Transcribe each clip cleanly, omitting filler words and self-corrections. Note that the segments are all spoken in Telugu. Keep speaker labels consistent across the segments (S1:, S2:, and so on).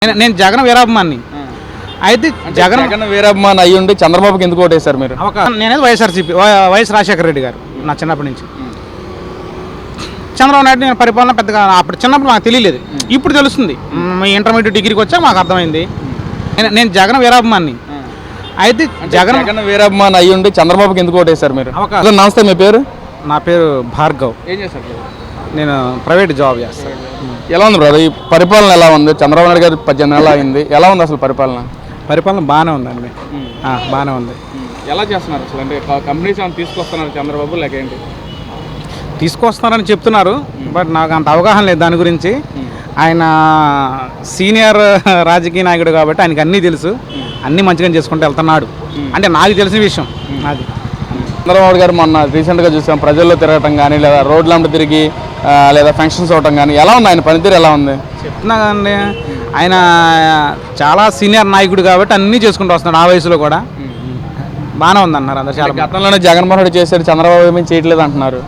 S1: నేను జగన్ వీరాభిమాని. అయితే
S2: జగన్ వీరాభిమాని అయ్యి ఉండి చంద్రబాబుకి ఎందుకు ఓటేశారు మీరు?
S1: నేనేది వైఎస్ఆర్సీపీ వైఎస్ రాజశేఖర రెడ్డి గారు నా చిన్నప్పటి నుంచి. చంద్రబాబు నాయుడు నేను పరిపాలన పెద్దగా అప్పుడు చిన్నప్పుడు నాకు తెలియలేదు, ఇప్పుడు తెలుస్తుంది. ఇంటర్మీడియట్ డిగ్రీకి వచ్చాక మాకు అర్థమైంది. నేను జగన్ వీరాభిమాని. అయితే
S2: జగన్ వీరాభిమాని అయ్యి ఉండి చంద్రబాబుకి ఎందుకు ఓటేశారు మీరు? నమస్తే, మీ పేరు?
S1: నా పేరు భార్గవ్.
S2: ఏం చేస్తారు?
S1: నేను ప్రైవేట్ జాబ్ చేస్తాను.
S2: ఎలా ఉంది బ్రదర్ ఈ పరిపాలన? ఎలా ఉంది? చంద్రబాబు నాయుడు గారు 18 నెలలు అయింది, ఎలా ఉంది అసలు పరిపాలన?
S1: పరిపాలన బాగానే ఉందండి, బాగానే ఉంది.
S2: ఎలా చేస్తున్నారు అసలు? అంటే కంపెనీస్ ఏమైనా తీసుకొస్తున్నారు చంద్రబాబు, లేక ఏంటి?
S1: తీసుకొస్తున్నారని చెప్తున్నారు, బట్ నాకు అంత అవగాహన లేదు దాని గురించి. ఆయన సీనియర్ రాజకీయ నాయకుడు కాబట్టి ఆయనకి అన్నీ తెలుసు, అన్నీ మంచిగా చేసుకుంటూ వెళ్తున్నాడు అంటే నాకు తెలిసిన విషయం. అది
S2: చంద్రబాబు గారు మొన్న రీసెంట్గా చూసాం, ప్రజల్లో తిరగటం కానీ లేదా రోడ్లంట తిరిగి లేదా ఫంక్షన్స్ అవటం కానీ, ఎలా ఉంది ఆయన పనితీరు? ఎలా ఉంది?
S1: చెప్తున్నా కదండి, ఆయన చాలా సీనియర్ నాయకుడు కాబట్టి అన్నీ చేసుకుంటూ వస్తున్నాడు. ఆ వయసులో కూడా బాగానే ఉంది అన్నారు అందరు. చాలా
S2: గతంలోనే జగన్మోహన్ రెడ్డి చేశారు, చంద్రబాబు ఏమీ చేయట్లేదు అంటున్నారు.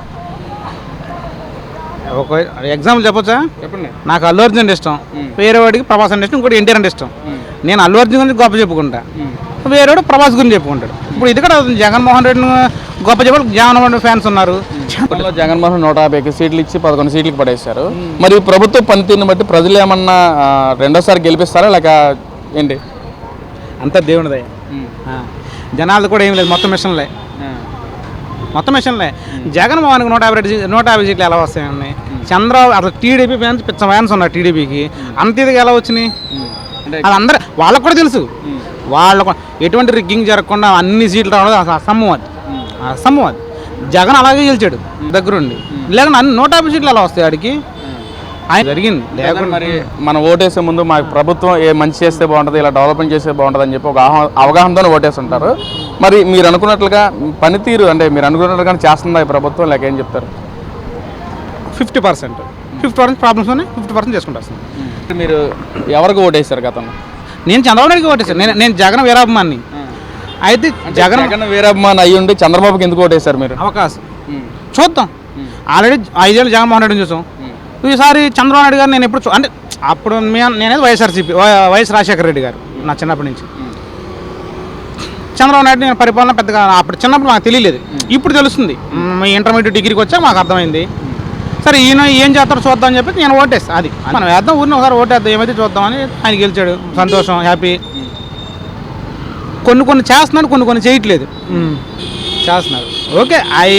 S1: ఒక ఎగ్జాంపుల్ చెప్పొచ్చా?
S2: చెప్పండి.
S1: నాకు అల్లు అర్జున్ అంటే ఇష్టం, వేరే వాడికి ప్రభాస్ అంటే ఇష్టం, ఇంకోటి ఎన్టీఆర్ అంటే ఇష్టం. నేను అల్లు అర్జున్ గురించి గొప్ప చెప్పుకుంటా, వేరేవాడు ప్రభాస్ గురించి చెప్పుకుంటాడు. ఇప్పుడు ఇది కూడా జగన్మోహన్ రెడ్డిని గొప్ప చెప్పాలి, జగన్మోహన్ రెడ్డి ఫ్యాన్స్ ఉన్నారు.
S2: జగన్మోహన్ 150 సీట్లు ఇచ్చి 11 సీట్లకి పడేశారు. మరి ప్రభుత్వ పనితీరుని బట్టి ప్రజలు ఏమన్నా రెండోసారి గెలిపిస్తారా లేక ఏంటి?
S1: అంతా దేవునిదే. జనాలు కూడా ఏం లేదు, మొత్తం మిషన్లే. జగన్మోహన్కి 150 సీట్లు ఎలా వస్తాయండి? చంద్రబాబు అసలు టీడీపీ ఫ్యాన్స్ పిచ్చ ఫ్యాన్స్ ఉన్నారు టీడీపీకి, అంత ఇదిగా ఎలా వచ్చినాయి? అది అందరూ వాళ్ళకు కూడా తెలుసు. వాళ్ళకు ఎటువంటి రిగ్గింగ్ జరగకుండా అన్ని సీట్లు రావడం అసలు అసమ్మం అది. జగన్ అలాగే గెలిచాడు దగ్గరుండి, లేకుండా అన్ని 150 సీట్లు ఎలా వస్తాయి ఆడికి? ఆయన జరిగింది. లేకుండా
S2: మరి మనం ఓటేసే ముందు మాకు ప్రభుత్వం ఏ మంచి చేస్తే బాగుంటుంది, ఇలా డెవలప్మెంట్ చేస్తే బాగుంటుంది అని చెప్పి ఒక అవగాహనతో ఓటేస్తుంటారు. మరి మీరు అనుకున్నట్లుగా పనితీరు అంటే మీరు అనుకున్నట్లుగా చేస్తుందా ఈ ప్రభుత్వం, లేక ఏం చెప్తారు?
S1: 50% ప్రాబ్లమ్స్ ఉన్నాయి, 50% చేసుకుంటూ వస్తుంది.
S2: మీరు ఎవరికి ఓటేశారు గతంలో?
S1: నేను చంద్రబాబు నాయుడుకి ఓటేశాను. నేను జగన్ వీరాభిమాని. అయితే
S2: జగన్ వీరాభిమాని అయ్యి ఉండి చంద్రబాబుకి ఎందుకు ఓటేశారు మీరు?
S1: అవకాశం చూద్దాం. ఆల్రెడీ 5 ఏళ్ళు జగన్మోహన్ రెడ్డిని చూసాం, ఈసారి చంద్రబాబు నాయుడు గారు నేను ఎప్పుడు అంటే అప్పుడు నేనేది వైఎస్ఆర్సీపీ వైఎస్ రాజశేఖర రెడ్డి గారు నా చిన్నప్పటి నుంచి. చంద్రబాబు నాయుడు నేను పరిపాలన పెద్దగా అప్పుడు చిన్నప్పుడు నాకు తెలియలేదు, ఇప్పుడు తెలుస్తుంది. ఇంటర్మీడియట్ డిగ్రీకి వచ్చాక మాకు అర్థమైంది. సరే ఈయన ఏం చేస్తారో చూద్దాం అని చెప్పి నేను ఓటేస్తాను. అది మనం వేద్దాం, ఊరిని ఒకసారి ఓటేద్దాం, ఏమైతే చూద్దామని. ఆయన గెలిచాడు, సంతోషం, హ్యాపీ. కొన్ని చేస్తున్నాడు, కొన్ని చేయట్లేదు. చేస్తున్నారు ఓకే. అవి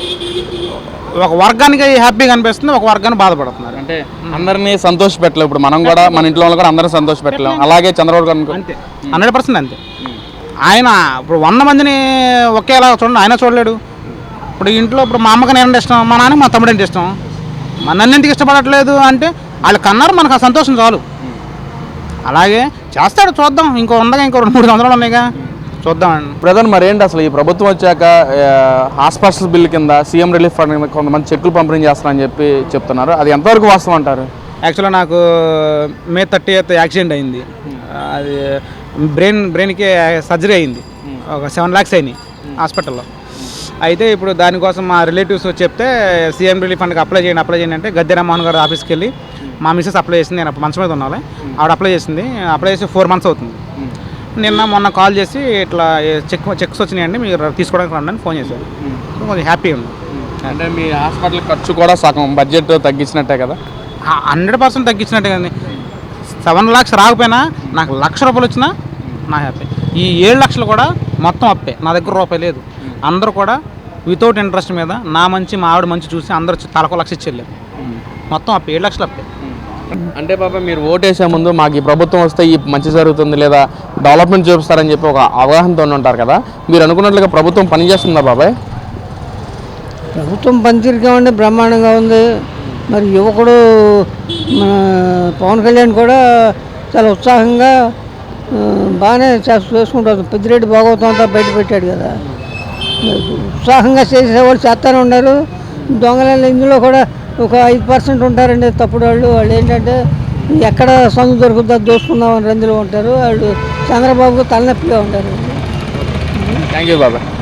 S1: ఒక వర్గానికి హ్యాపీగా అనిపిస్తుంది, ఒక వర్గాన్ని బాధపడుతున్నారు.
S2: అంటే అందరినీ సంతోష పెట్టలేవు. ఇప్పుడు మనం కూడా మన ఇంట్లో వాళ్ళు కూడా అందరినీ సంతోష పెట్టలేము, అలాగే చంద్రబాబు గారు
S1: అంతే 100% అంతే. ఆయన ఇప్పుడు 100 మందిని ఒకేలా చూడండి, ఆయన చూడలేడు. ఇప్పుడు ఇంట్లో ఇప్పుడు మా అమ్మకి నేనంటే ఇష్టం, మా నాన్నకి మా తమ్ముడు అంటే ఇష్టం, మా నన్నెందుకు ఇష్టపడట్లేదు అంటే వాళ్ళు కన్నారు, మనకు ఆ సంతోషం చాలు. అలాగే చేస్తాడు, చూద్దాం. ఇంకో 2-3 సంవత్సరాలు ఉన్నాయిగా, చూద్దామండి.
S2: బ్రదర్ మరి ఏంటి అసలు ఈ ప్రభుత్వం వచ్చాక హాస్పిటల్స్ బిల్ కింద సీఎం రిలీఫ్ ఫండ్ కింద కొంతమంది చెక్కులు పంపిణీ చేస్తారని చెప్పి చెప్తున్నారు, అది ఎంతవరకు వాస్తవం అంటారు?
S1: యాక్చువల్గా నాకు May 30th యాక్సిడెంట్ అయింది. అది బ్రెయిన్కి సర్జరీ అయింది, ఒక 7 lakhs అయినాయి హాస్పిటల్లో. అయితే ఇప్పుడు దానికోసం మా రిలేటివ్స్ చెప్తే సీఎం రిలీఫ్ ఫండ్కి అప్లై చేయండి అంటే గద్దె రామ్మోహన్ గారు ఆఫీస్కి వెళ్ళి మా మిస్సెస్ అప్లై చేసింది. నేను అప్పుడు మంచం మీద ఉన్నాను, ఆవిడ అప్లై చేసి 4 months అవుతుంది. మొన్న కాల్ చేసి ఇట్లా చెక్స్ వచ్చినాయండి, మీరు తీసుకోవడానికి రండి అని ఫోన్ చేశారు. కొంచెం హ్యాపీ ఉంది.
S2: అంటే మీ హాస్పిటల్ ఖర్చు కూడా సగం బడ్జెట్ తగ్గించినట్టే కదా?
S1: 100% తగ్గించినట్టే కదండి. 7 lakhs రాకపోయినా నాకు ₹1,00,000 వచ్చినా నా హ్యాపీ. ఈ 7 లక్షలు కూడా మొత్తం అప్పే, నా దగ్గర రూపాయి లేదు. అందరూ కూడా వితౌట్ ఇంట్రెస్ట్ మీద నా మంచి మా ఆవిడ మంచి చూసి అందరూ తలకు $1,00,000 ఇచ్చేళ్ళారు. మొత్తం అప్పే, 7 లక్షలు అప్పే.
S2: అంటే బాబా మీరు ఓటేసే ముందు మాకు ఈ ప్రభుత్వం వస్తే ఈ మంచి జరుగుతుంది లేదా డెవలప్మెంట్ చూపిస్తారని చెప్పి ఒక అవగాహనతో ఉంటారు కదా, మీరు అనుకున్నట్లుగా ప్రభుత్వం పనిచేస్తుందా బాబాయ్?
S3: ప్రభుత్వం పనితీరుగా ఉండి బ్రహ్మాండంగా ఉంది. మరి యువకుడు మన పవన్ కళ్యాణ్ కూడా చాలా ఉత్సాహంగా బాగానే చేసుకుంటారు. పెద్దిరెడ్డి భాగవతం అంతా బయట పెట్టాడు కదా, ఉత్సాహంగా చేసేవాళ్ళు చేస్తూనే ఉన్నారు. దొంగలు ఇందులో కూడా ఒక 5% ఉంటారండి తప్పుడు వాళ్ళు ఏంటంటే ఎక్కడ సందు దొరుకుతుందో దోసుకుందామని రందులో ఉంటారు. వాళ్ళు చంద్రబాబుకు తలనొప్పిగా ఉంటారు.
S2: Thank you Baba.